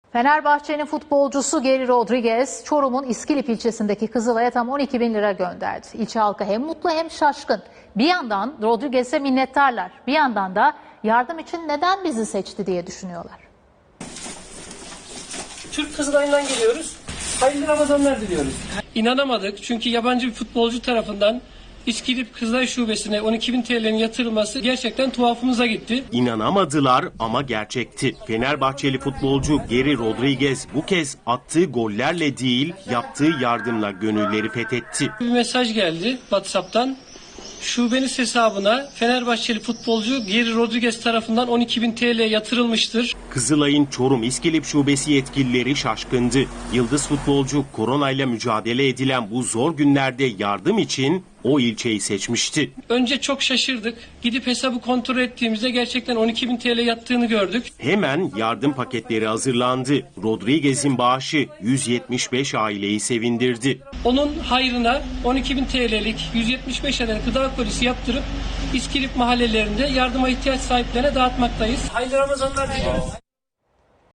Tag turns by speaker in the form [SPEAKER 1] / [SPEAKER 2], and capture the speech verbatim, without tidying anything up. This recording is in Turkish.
[SPEAKER 1] Fenerbahçe'nin futbolcusu Geri Rodriguez, Çorum'un İskilip ilçesindeki Kızılay'a tam on iki bin lira gönderdi. İlçe halkı hem mutlu hem şaşkın. Bir yandan Rodriguez'e minnettarlar, bir yandan da yardım için neden bizi seçti diye düşünüyorlar.
[SPEAKER 2] Türk Kızılay'ından geliyoruz. Hayırlı Ramazanlar diliyoruz. İnanamadık çünkü yabancı bir futbolcu tarafından İskilip Kızılay Şubesi'ne on iki bin T L'nin yatırılması gerçekten tuhafımıza gitti.
[SPEAKER 3] İnanamadılar ama gerçekti. Fenerbahçeli futbolcu Geri Rodriguez bu kez attığı gollerle değil, yaptığı yardımla gönülleri fethetti.
[SPEAKER 2] Bir mesaj geldi WhatsApp'tan. Şubeniz hesabına Fenerbahçeli futbolcu Geri Rodriguez tarafından on iki bin T L yatırılmıştır.
[SPEAKER 3] Kızılay'ın Çorum İskilip Şubesi yetkilileri şaşkındı. Yıldız futbolcu koronayla mücadele edilen bu zor günlerde yardım için o ilçeyi seçmişti.
[SPEAKER 2] Önce çok şaşırdık. Gidip hesabı kontrol ettiğimizde gerçekten on iki bin T L yattığını gördük.
[SPEAKER 3] Hemen yardım paketleri hazırlandı. Rodriguez'in bağışı yüz yetmiş beş aileyi sevindirdi.
[SPEAKER 2] Onun hayrına on iki bin T L'lik yüz yetmiş beş adet gıda kolisi yaptırıp İskilip mahallelerinde yardıma ihtiyaç sahiplerine dağıtmaktayız. Hayırlı Ramazanlar diliyoruz.